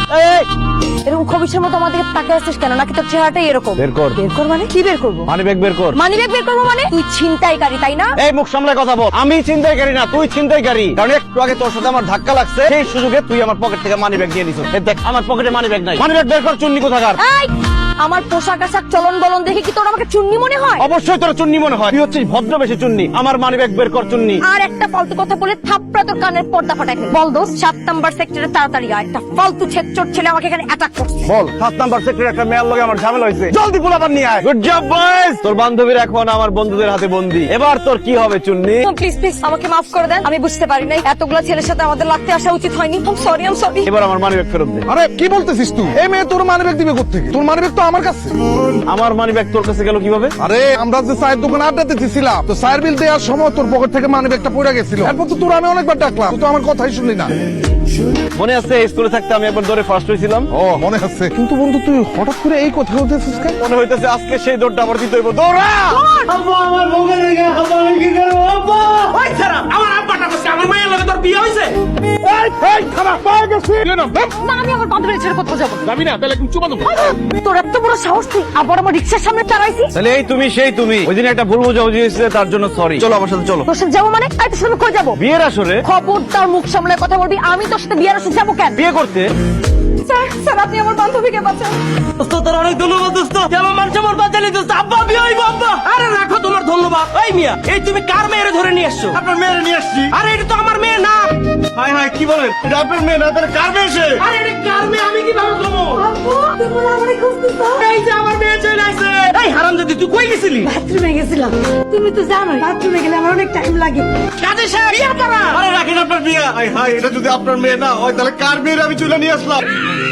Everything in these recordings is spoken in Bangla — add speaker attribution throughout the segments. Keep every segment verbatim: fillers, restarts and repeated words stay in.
Speaker 1: এরকম খবিসের মতো আমাদেরকে তাকিয়ে আসছিস কেন? নাকি তোর চেহারাটাই এরকম?
Speaker 2: বের কর।
Speaker 1: বের কর মানে? কি বের করবো?
Speaker 2: মানি ব্যাগ বের কর।
Speaker 1: মানি ব্যাগ বের করবো মানে? তুই ছিনতাইকারী তাই না?
Speaker 2: এই মুখ সামলায় কথা বল। আমি ছিনতাইকারী না, তুই ছিনতাইকারী। কারণ একটু আগে তোর সাথে আমার ধাক্কা লাগছে, সেই সুযোগে তুই আমার পকেট থেকে মানি ব্যাগ নিয়ে নিছিস। এই দেখ আমার পকেটে মানি ব্যাগ নাই। মানি ব্যাগ বের কর, চুন্নি কোথাকার।
Speaker 1: এই, আমার পোশাক আশাক চলন বলন দেখে কি তোর আমাকে চুন্নি মনে হয়?
Speaker 2: অবশ্যই তোর চুন্নি মনে হয়। তুই হচ্ছিস ভদ্র বেশি চুন্নি। আমার মানি ব্যাগ বের কর চুন্নি।
Speaker 1: আর একটা ফালতু কথা বলে থাপ্পড়া তোর কানের পর্দা ফাটাই ফেল। বল দোস্ত, সাত নাম্বার সেক্টরে তাড়াতাড়ি আয়। একটা ফালতু ছেচর ছেলে আমাকে এখানে অ্যাটাক করছে।
Speaker 2: বল, সাত নাম্বার সেক্টরে একটা মেয়ের লগে আমার ঝামেলা হয়েছে। জলদি পোলাপান নিয়ে আয়। Good job boys. তোর বান্ধবীর এখন আমার বন্ধুদের হাতে বন্দী। এবার তোর কি হবে চুন্নি?
Speaker 1: প্লিজ প্লিজ আমাকে মাফ করে দেন, আমি বুঝতে পারি নাই এতগুলা ছেলের সাথে আমাদের লাগতে আসা উচিত হয়নি। I am sorry, I am sorry.
Speaker 2: এবার আমার মানি ব্যাগ ফেরত দে।
Speaker 3: আরে কি বলতেছিস তুই? এই মেয়ে তোর মানি ব্যাগ দিবে কোত্থেকে? তোর মানি ব্যাগ তো আমার কাছে।
Speaker 2: আমার মানি ব্যাগ তোর কাছে গেল কিভাবে?
Speaker 3: আরে আমরা যে চায়ের দোকানে আড্ডা দিতেছিলাম, তো চায়ের বিল দেওয়ার সময় তোর পকেট থেকে মানি ব্যাগটা পড়ে গেছিল। এরপর তো তোর আমি অনেকবার ডাকলাম, তুই তো আমার কথাই শুনলি না।
Speaker 2: মনে আছে স্কুলে থাকতে আমি একবার দৌড়ে ফার্স্ট হয়েছিলাম?
Speaker 3: ও মনে আছে, কিন্তু বন্ধু তুই হঠাৎ করে এই কথা বলতেছিস কেন?
Speaker 2: মনে হইতেছে আজকে সেই দৌড়টা আবার দিতে হইব। দৌড়া!
Speaker 4: আব্বা আমার বউকে রেখে আব্বা আমি কি করব? আব্বা ওই ছাড়া আমার আব্বাটা বসে আমার মায়ের লগে তোর বিয়ে হইছে।
Speaker 3: এই এই খারাপ পায়ে গেছে।
Speaker 1: না, আমি আমার বান্ধবীর ছেড়ে কোথাও যাবো না।
Speaker 3: যাবি না? তাহলে একদম চুমা দেবো।
Speaker 1: তোর এত বড় সাহস, তুই আবার আমার রিক্সার সামনে দাঁড়াইছিস?
Speaker 2: তাহলে এই তুমি সেই তুমি। ওই দিন একটা ভুল বোঝাবুঝি হয়েছে, তার জন্য সরি। চলো আমার সাথে চলো।
Speaker 1: তোর সাথে যাবো মানে? আই তোর সাথে কই যাবো?
Speaker 2: বিয়ের আসরে?
Speaker 1: খবরদার মুখ সামলে কথা বলবি। আমি তোর সাথে বিয়ের আসরে যাবো কেন?
Speaker 2: বিয়ে করতে?
Speaker 1: স্যার স্যার আপনি আমার বান্ধবীকে বাঁচান।
Speaker 4: দোস্ত তোর অনেক ধন্যবাদ দোস্ত, যে আমার মান সম্মান বাঁচালি দোস্ত। আব্বা বিয়ে হইব আব্বা। আরে রাখো তোমার ধন্যবাদ। এই মিয়া, এই তুমি কার মেয়েরে ধরে নিয়ে আসছো?
Speaker 2: আপনার মেয়েরে নিয়ে আসছি।
Speaker 4: আরে এটা তো আমার মেয়ে না।
Speaker 2: হাই হাই কি বলেন? এটা আপনার মেয়ে না, তাহলে কার মেয়ে সে?
Speaker 4: আরে এটা কার মেয়ে আমি কিভাবে বলবো?
Speaker 1: আব্বু তুমি আমারে খুঁজতেছো?
Speaker 4: এই যে আমার মেয়ে চলে আসছে। এই হারামজাদি তুই কই গেছিলি?
Speaker 1: বাথরুমে গেছিলাম। তুমি তো জানোই বাথরুমে গেলে আমার অনেক টাইম লাগে।
Speaker 4: কাজে সাহেব বিয়ে করা।
Speaker 2: আরে রাখেন আপনার বিয়ে। হাই হাই, এটা যদি আপনার মেয়ে না হয় তাহলে কার মেয়ের আমি চলে নিয়ে আসলাম?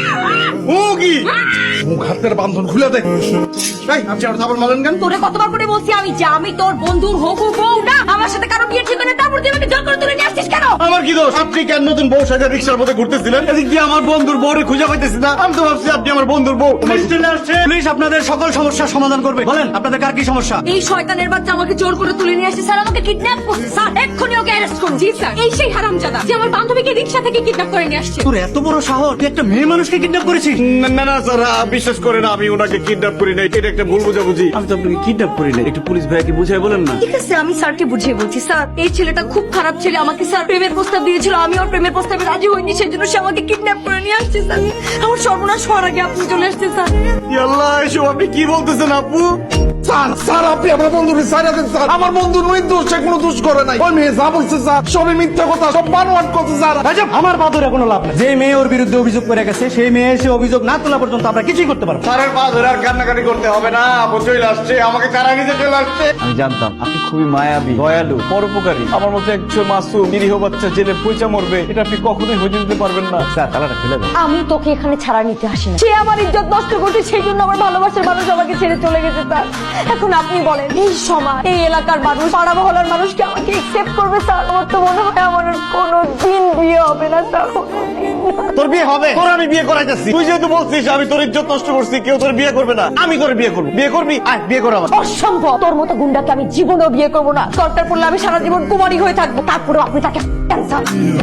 Speaker 2: ও কি
Speaker 3: মুখ হাতের বান্ধন খুলে দে।
Speaker 2: এই আপনি আমার থাপড় মারেন কেন?
Speaker 1: তোরে কতবার করে বলছি আমি যে আমি তোর বন্ধুর হবু বউ না। আমার সাথে কারো বিয়ে ঠিক করে তারপর তুই আমাকে জোর করে তুলে নিয়ে আসছিস কেন?
Speaker 2: আমার কি দোষ? আপনি কেন নতুন বউ সাজা রিক্সার মধ্যে ঘুরতেছিলেন? এদিক দিয়ে আমার বন্ধুর বউরে খুঁজে পাইতেছি না। আমি তো ভাবছি আপনি আমার বন্ধুর বউ।
Speaker 4: পুলিশ চলে আসছে। পুলিশ আপনাদের সকল সমস্যার সমাধান করবে। বলেন আপনাদের কার কি সমস্যা?
Speaker 1: এই শয়তানের বাচ্চা আমাকে জোর করে তুলে নিয়ে আসছে। স্যার আমাকে কিডন্যাপ করছে। স্যার এক্ষুনি ওকে অ্যারেস্ট করুন। জি স্যার। এই সেই হারামজাদা যে আমার বান্ধবীকে রিক্সা থেকে কিডন্যাপ করে নিয়ে আসছে।
Speaker 4: তোর এত বড় সাহস, তুই একটা মেয়ে মানুষকে কিডন্যাপ করেছিস?
Speaker 2: না না না স্যার, বিশ্বাস করেন আমি ওনাকে কিডন্যাপ করি নাই। এটা একটা ভুল বোঝাবুঝি।
Speaker 4: আমি তো আপনাকে কিডন্যাপ করি না। একটু পুলিশ ভাইকে বুঝাই বলেন না।
Speaker 1: ঠিক আছে আমি স্যারকে বুঝিয়ে বলছি। স্যার এই ছেলেটা খুব খারাপ ছেলে। আমাকে স্যার প্রেমের প্রস্তাব দিয়েছিল, আমি ওর প্রেমের প্রস্তাবে রাজি হইনি, সেই জন্য সে আমাকে কিডন্যাপ করে নিয়ে আসছে। স্যার আমার সর্বনাশ হওয়ার আগে আপনি চলে আসছেন। স্যার
Speaker 2: আল্লাহ, এসব আপনি কি বলতেছেন আপু?
Speaker 3: স্যার স্যার আপনি আমার বন্ধুকে ছাড়া দেন স্যার। আমার বন্ধু নির্দোষ, সে কোনো দোষ করে নাই। ওই মেয়ে যা বলছে স্যার সবই মিথ্যা কথা, সব বানোয়াট কথা স্যার।
Speaker 4: আমার বাদরে কোনো লাভ নাই। যে মেয়ে ওর বিরুদ্ধে অভিযোগ করে গেছে সেই মেয়ে এসে অভিযোগ না তোলা পর্যন্ত আমরা কিছুই করতে পারবো না।
Speaker 2: স্যারের পা ধরে আর কান্নাকাটি করতে হবে না। আপু চলে আসছে, আমাকে কারা নিতে চলে আসছে। আমি জানতাম আপনি খুবই মায়াবী, দয়ালু, পরোপকারী। আমার মতো একজন মাসুম নিরীহ বাচ্চা জেলে পয়সা মরবে, এটা আপনি কখনোই হইতে দিতে পারবেন না। স্যার তালাটা খুলে দেন।
Speaker 1: আমি তোকে এখানে ছাড়া নিতে আসি না। সে আমার ইজ্জত নষ্ট করছে, সেই জন্য আমার ভালোবাসার মানুষ আমাকে ছেড়ে চলে গেছে। স্যার এখন আপনি বলেন এই সমাজ, এই এলাকার মানুষ, পাড়া মহলার মানুষ কি আমাকে একসেপ্ট করবে? স্যার আমার তো মনে হয় আমার কোনো দিন বিয়ে হবে না। স্যার
Speaker 2: তোর বিয়ে হবে? তোর আমি বিয়ে করাইতেছি। তুই যেহেতু বলছিস আমি তোর ইজ্জত নষ্ট করছি, কেউ তোর বিয়ে করবে না, আমি তোর বিয়ে করবো। বিয়ে করবি? আয় বিয়ে কর আমার।
Speaker 1: অসম্ভব। তোর মতো গুন্ডাকে আমি জীবনেও বিয়ে করবো না। দরকার পড়লে আমি সারা জীবন কুমারী হয়ে থাকবো, তারপরেও আপনি তাকে ক্যান্সার।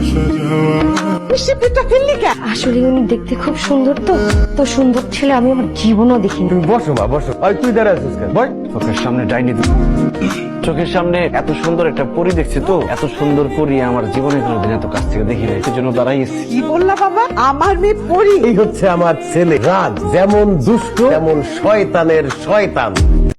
Speaker 1: আসলে উনি দেখতে খুব সুন্দর, তো তো সুন্দর ছেলে আমি আমার জীবনও দেখিনি।
Speaker 2: বসো মা বসো। আর তুই দাঁড়া আছিস কেন? বল। চোখের সামনে ডাইনি, চোখের সামনে এত সুন্দর একটা পরী দেখছি, তো এত সুন্দর পরী আমার জীবনে কোনোদিন এত কাছ থেকে দেখি নাই, সেজন্য দাঁড়াইছি।
Speaker 5: কি বললা বাবা? আমার মেয়ে পরি?
Speaker 6: এই হচ্ছে আমার ছেলে রাজ, যেমন দুষ্ট তেমন শয়তানের শয়তান।